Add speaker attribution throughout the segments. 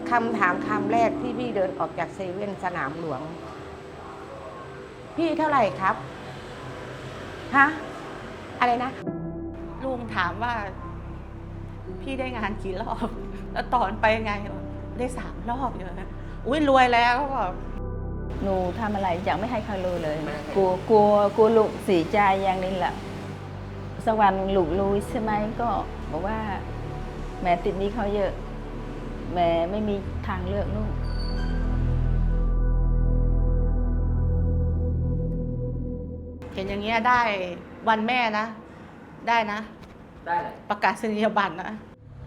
Speaker 1: คำถามคำแรกที่พี่เดินออกจากเซเว่นสนามหลวงพี่เท่าไหร่ครับฮะอะไรนะ
Speaker 2: ลุงถามว่าพี่ได้งานกี่รอบแล้วตอนไปไงได้3 รอบอยู่นะอุ้ยรวยแล้วก็บอก
Speaker 3: หนูทำอะไรยังไม่ให้เขารู้เลยกลัวลูกเสียใจอย่างนี้แหละสักวันลูกรู้ใช่ไหมก็บอกว่าแม่ติดหนี้เขาเยอะแม่ไม่มีทางเลือกลูก
Speaker 2: เห็นอย่างเงี้ยได้วันแม่นะได้นะ
Speaker 4: ได้เลย
Speaker 2: ประกาศนียบัตรนะ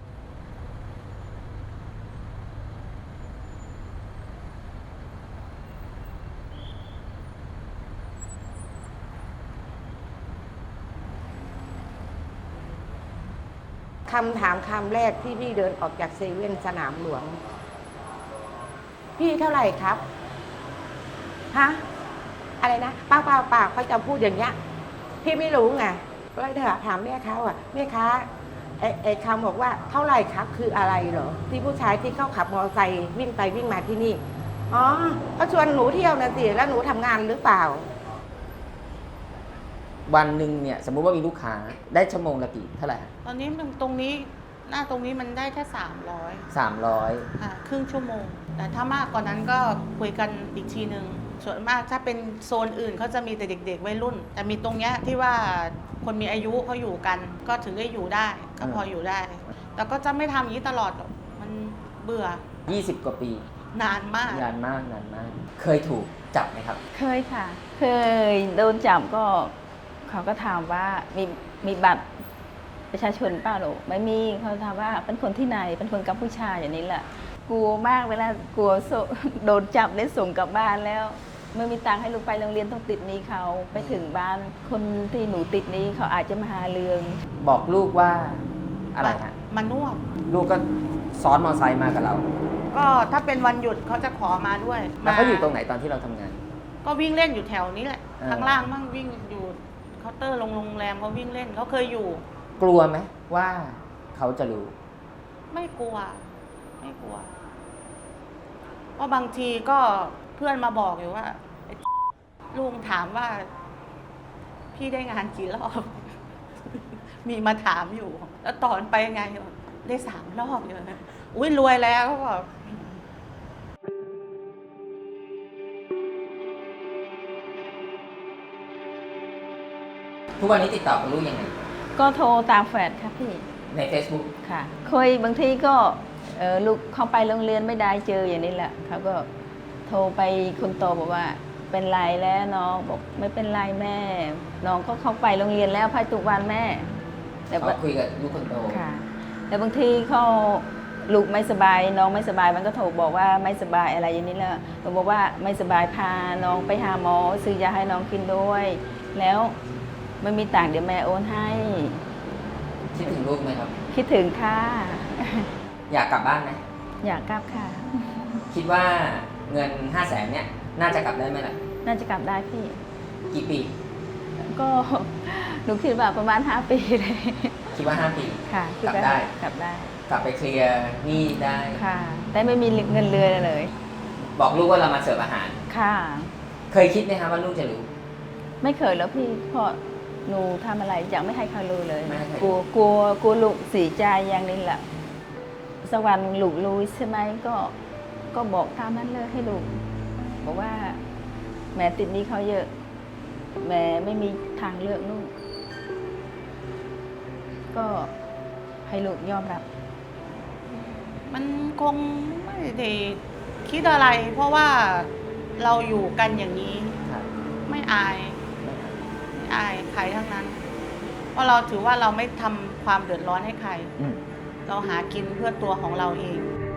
Speaker 1: คำถามคำแรกที่พี่เดินออกจากเซเว่นสนามหลวงพี่เท่าไหร่ครับฮะอะไรนะป้าเขาจะพูดอย่างเงี้ยพี่ไม่รู้ไงก็เลยถามแม่เขาอ่ะแม่ค้าไอ้คำบอกว่าเท่าไหร่ครับคืออะไรเหรอที่ผู้ชายที่เขาขับมอเตอร์ไซค์วิ่งไปวิ่งมาที่นี่อ๋อเขาชวนหนูเที่ยวนะสิแล้วหนูทำงานหรือเปล่า
Speaker 4: วันหนึ่งเนี่ยสมมุติว่ามีลูกค้าได้ชั่วโมงละกี่เท่าไหร่
Speaker 2: ตอนนี้มันตรงนี้หน้าตรงนี้มันได้แค่300
Speaker 4: 300
Speaker 2: ครึ่งชั่วโมงแต่ถ้ามากกว่านั้นก็คุยกันอีกทีหนึ่งส่วนมากถ้าเป็นโซนอื่นเขาจะมีแต่เด็กๆวัยรุ่นแต่มีตรงเนี้ยที่ว่าคนมีอายุเขาอยู่กันก็ถึงได้อยู่ได้ก็พออยู่ได้แต่ก็จะไม่ทำอย่างนี้ตลอดมันเบื่อ
Speaker 4: 20 กว่าปี
Speaker 2: นานมาก
Speaker 4: นานมากเคยถูกจับไหมครับ
Speaker 3: เคยค่ะเคยโดนจับก็เขาก็ถามว่ามีบัตรประชาชนเปล่าหนูไม่มีเขาถามว่าเป็นคนที่ไหนเป็นคนกัมพูชาอย่างนี้แหละกลัวมากเวลากลัวโดนจับได้ส่งกลับบ้านแล้วไม่มีตังค์ให้ลูกไปโรงเรียนต้องติดหนี้เขาไปถึงบ้านคนที่หนูติดหนี้เขาอาจจะมาหาเรื่อง
Speaker 4: บอกลูกว่าอะไรฮะ
Speaker 2: มานวด
Speaker 4: ลูกก็ซ้อนมอเตอร์ไซค์มากับเรา
Speaker 2: ก็ถ้าเป็นวันหยุดเขาจะขอมาด้วย
Speaker 4: แล้วเขาอยู่ตรงไหนตอนที่เราทำงาน
Speaker 2: ก็วิ่งเล่นอยู่แถวนี้แหละข้างล่างมั่งวิ่งอยู่เคาน์เตอร์โรงแรมเขาวิ่งเล่นเขาเคยอยู่
Speaker 4: กลัวไหมว่าเขาจะรู้
Speaker 2: ไม่กลัวเพราะบางทีก็เพื่อนมาบอกอยู่ว่าลุงถามว่าพี่ได้งานกี่รอบ มีมาถามอยู่แล้วตอนไปไงได้3 รอบอยู่นะอุ้ยรวยแล้วก็บอก
Speaker 4: ทุกวันนี้ติดต่อกับลูกยังไง
Speaker 3: ก็โทรตามแฟนค่ะพี่
Speaker 4: ใน Facebook
Speaker 3: ค่ะเคยบางทีก็ลูกเข้าไปโรงเรียนไม่ได้เจออย่างนี้แหละเขาก็โทรไปคนโตบอกว่าเป็นไรแล้วน้องบอกไม่เป็นไรแม่น้องก็เข้าไปโรงเรียนแล้วพายทุกวันแม่
Speaker 4: แต่เขาคุยกับลูกคนโต
Speaker 3: ค่ะแต่บางทีเขาลูกไม่สบายน้องไม่สบายมันก็โทรบอกว่าไม่สบายอะไรอย่างนี้แหละบอกว่าไม่สบายพาน้องไปหาหมอซื้อยาให้น้องกินด้วยแล้วไม่มีต่างเดี๋ยวแม่โอนให้
Speaker 4: คิดถึงลูกไหมครับ
Speaker 3: คิดถึงค่ะ
Speaker 4: อยากกลับบ้านไหม
Speaker 3: อยากกลับค่ะ
Speaker 4: คิดว่าเงิน500,000เนี่ยน่าจะกลับได้ไหมล่ะ
Speaker 3: น่าจะกลับได้พี่
Speaker 4: กี่ปี
Speaker 3: ก็หนูคิดว่าประมาณ5 ปีเลย
Speaker 4: คิดว่า5 ปี
Speaker 3: ค่ะ
Speaker 4: กลับได้
Speaker 3: กลับได้
Speaker 4: กลับไปเคลียร์หนี้ได้
Speaker 3: ค่ะแต่ไม่มีเงินเรือเลย
Speaker 4: บอกลูกว่าเรามาเสิร์ฟอาหาร
Speaker 3: ค่ะ
Speaker 4: เคยคิดไหมคะว่าลูกจะรู้
Speaker 3: ไม่เคยแล้วพี่เพราะหนูทำอะไรยังไม่ให้เขารู้เลยกลัวลูกเสียใจอย่างนี้แหละสักวันลูกรู้ใช่ไหมก็บอกตามนั้นเลยให้ลูกบอกว่าแม่ติดหนี้เขาเยอะแม่ไม่มีทางเลือกลูกก็ให้ลูกยอมรับ
Speaker 2: มันคงไม่ได้คิดอะไรเพราะว่าเราอยู่กันอย่างนี้ไม่อายใครทั้งนั้นเพราะเราถือว่าเราไม่ทำความเดือดร้อนให้ใครเราหากินเพื่อตัวของเราเอง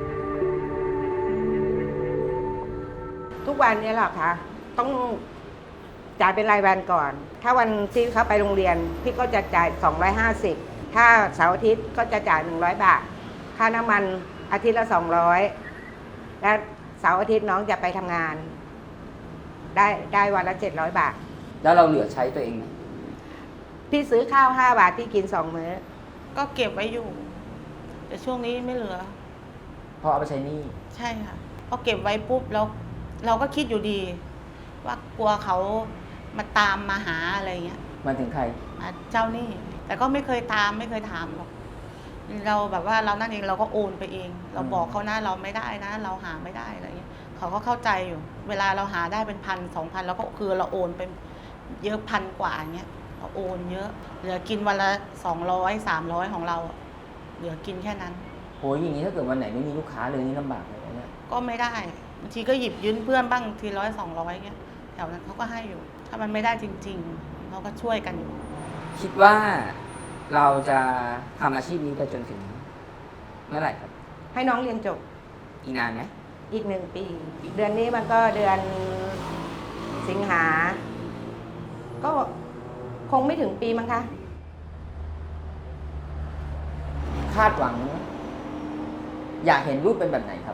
Speaker 1: ทุกวันนี้หรอคะต้องจ่ายเป็นรายวันก่อนถ้าวันที่เขาไปโรงเรียนพี่ก็จะจ่าย250ถ้าเสาร์อาทิตย์ก็จะจ่าย100 บาทค่าน้ำมันอาทิตย์ละ200และเสาร์อาทิตย์น้องจะไปทำงานได้วันละ700 บาท
Speaker 4: แล้วเราเหลือใช้ตัวเองไหม
Speaker 1: พี่ซื้อข้าว5 บาทที่กิน2 มื้อ
Speaker 2: ก็เก็บไว้อยู่แต่ช่วงนี้ไม่เหลือ
Speaker 4: พราะเอาไปใช้หนี้
Speaker 2: ใช่ค่ะพอเก็บไว้ปุ๊บแล้วเราก็คิดอยู่ดี ว่ากลัวเขามาตามมาหาอะไรเงี้ย
Speaker 4: มาถึงใคร
Speaker 2: มาเจ้าหนี้แต่ก็ไม่เคยตามไม่เคยถามหรอกเราแบบว่าเรานั่นเองเราก็โอนไปเอง เราบอกเขานะเราไม่ได้นะ เราหาไม่ได้อะไรเงี้ยเขาก็เข้าใจอยู่ เวลาเราหาได้เป็น1,000-2,000แล้วก็คือเราโอนไปเยอะพันกว่าเงี้ยเราโอนเยอะเหลือกินวันละ200-300ของเราอะเหลือกินแค่นั้น
Speaker 4: โหอย่างนี้ถ้าเกิดวันไหนไม่มีลูกค้าเลยนี่ลำบากเลยนะเนี่ย
Speaker 2: ก็ไม่ได้บางทีก็หยิบยืมเพื่อนบ้างที100-200เงี้ยแถวนั้นเขาก็ให้อยู่ ถ้ามันไม่ได้จริงๆเขาก็ช่วยกันอยู่
Speaker 4: คิดว่าเราจะทำอาชีพนี้ไปจนถึงเมื่อไหร่ครับ
Speaker 1: ให้น้องเรียนจบ
Speaker 4: อีกนานไหม
Speaker 1: อีก1 ปี เดือนนี้มันก็เดือนสิงหา ก็คงไม่ถึงปีมั้งคะ
Speaker 4: คาดหวัง อยากเห็นรูปเป็นแบบไหนครับ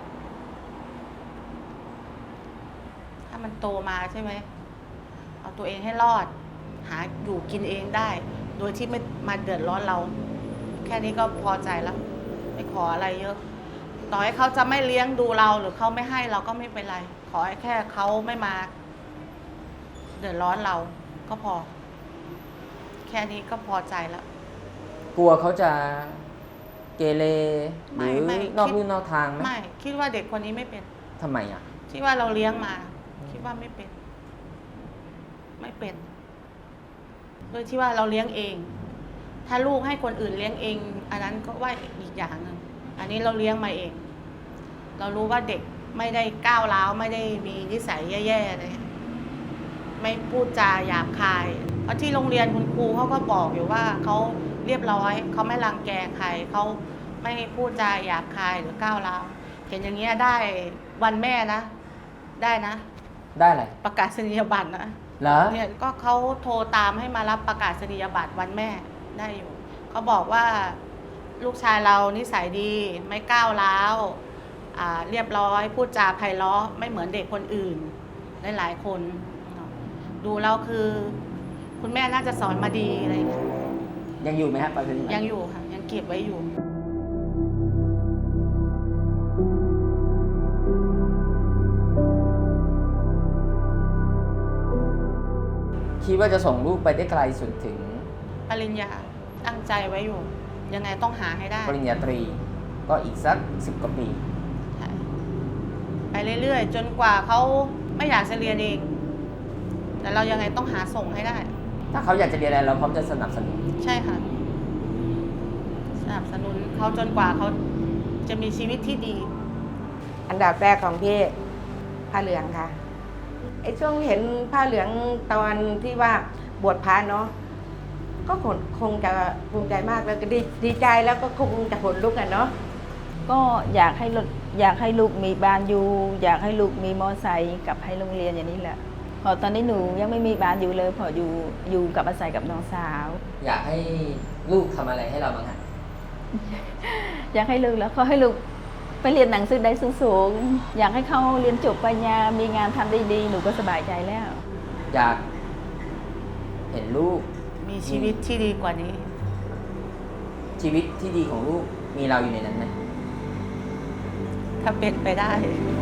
Speaker 2: ถ้ามันโตมาใช่ไหมเอาตัวเองให้รอด หาอยู่กินเองได้ โดยที่ไม่มาเดือดร้อนเรา แค่นี้ก็พอใจแล้ว ไม่ขออะไรเยอะ ต่อให้เขาจะไม่เลี้ยงดูเราหรือเขาไม่ให้เราก็ไม่เป็นไร ขอให้แค่เขาไม่มา เดือดร้อนเราก็พอ แค่นี้ก็พอใจแล้ว
Speaker 4: กลัวเขาจะเกเรห
Speaker 2: ไม่
Speaker 4: รือ
Speaker 2: ไม่
Speaker 4: นอก
Speaker 2: คิด
Speaker 4: ลู่นอกทางไหม
Speaker 2: ไม่คิดว่าเด็กคนนี้ไม่เป็น
Speaker 4: ทำไมอ่ะ
Speaker 2: คิดว่าเราเลี้ยงมา คิดว่าไม่เป็น ไม่เป็นโดยที่ว่าเราเลี้ยงเอง ถ้าลูกให้คนอื่นเลี้ยงเอง อันนั้นก็ว่าอีกอย่างหนึ่งอันนี้เราเลี้ยงมาเอง เรารู้ว่าเด็กไม่ได้ก้าวร้าวไม่ได้มีนิสัยแย่ๆอะไรไม่พูดจาหยาบคาย เพราะที่โรงเรียนคุณครูเขาก็บอกอยู่ว่าเขาเรียบร้อยเขาไม่รังแกใครเขาไม่พูดจาหยาบคายหรือก้าวร้าวเห็นอย่างเงี้ยได้วันแม่นะ ได้นะ
Speaker 4: ได้อะไร
Speaker 2: ประกาศนียบัตรนะ
Speaker 4: เหรอ
Speaker 2: เนี่ยก็เขาโทรตามให้มารับประกาศนียบัตรวันแม่ได้อยู่เขาบอกว่าลูกชายเรานิสัยดีไม่ก้าวร้าวเรียบร้อยพูดจาไพเราะไม่เหมือนเด็กคนอื่นหลายๆคนดูแล้วคือ คุณแม่น่าจะสอนมาดีอะไรอย่างเงี้ย
Speaker 4: ยังอยู่ไหมฮะไปจนถึง
Speaker 2: ยังอยู่ค่ะยังเก็บไว้อยู่
Speaker 4: คิดว่าจะส่งลูกไปได้ไกลสุดถึง
Speaker 2: ปริญญาตั้งใจไว้อยู่ ยังไงต้องหาให้ได้
Speaker 4: ปริญญาตรี ก็อีกสัก10 กว่าปี
Speaker 2: ใช่ไปเรื่อยๆ จนกว่าเขาไม่อยากจะเรียนเอง แต่เรายังไงต้องหาส่งให้ได้
Speaker 4: ถ้าเขาอยากจะเรียนอะไรเราพร้อมจะสนับสนุน
Speaker 2: ใช่ค่ะ สนับสนุนเขาจนกว่าเขาจะมีชีวิตที่ดี
Speaker 1: อันดับแรกของพี่ผ้าเหลืองค่ะไอ้ช่วงเห็นผ้าเหลืองตอนที่ว่าบวชพระเนาะก็คงจะภูมิใจมากแล้วก็ดีใจแล้วก็คงจะขนลุกกันเนาะ
Speaker 3: ก็อยากให้ลูกมีบ้านอยู่ อยากให้ลูกมีมอไซค์กับให้โรงเรียนอย่างนี้แหละพอตอนนี้หนูยังไม่มีบ้านอยู่เลยพออยู่กับอาศัยกับน้องสาว
Speaker 4: อยากให้ลูกทำอะไรให้เราบ้างฮะ
Speaker 3: อยากให้ลูกแล้วก็ให้ลูกไปเรียนหนังสือได้สูงๆอยากให้เขาเรียนจบปริญญามีงานทำได้ดีหนูก็สบายใจแล้ว
Speaker 4: อยากเห็นลูก
Speaker 2: มีชีวิตที่ดีกว่านี้
Speaker 4: ชีวิตที่ดีของลูกมีเราอยู่ในนั้นไหม
Speaker 2: ถ้าเป็นไปได้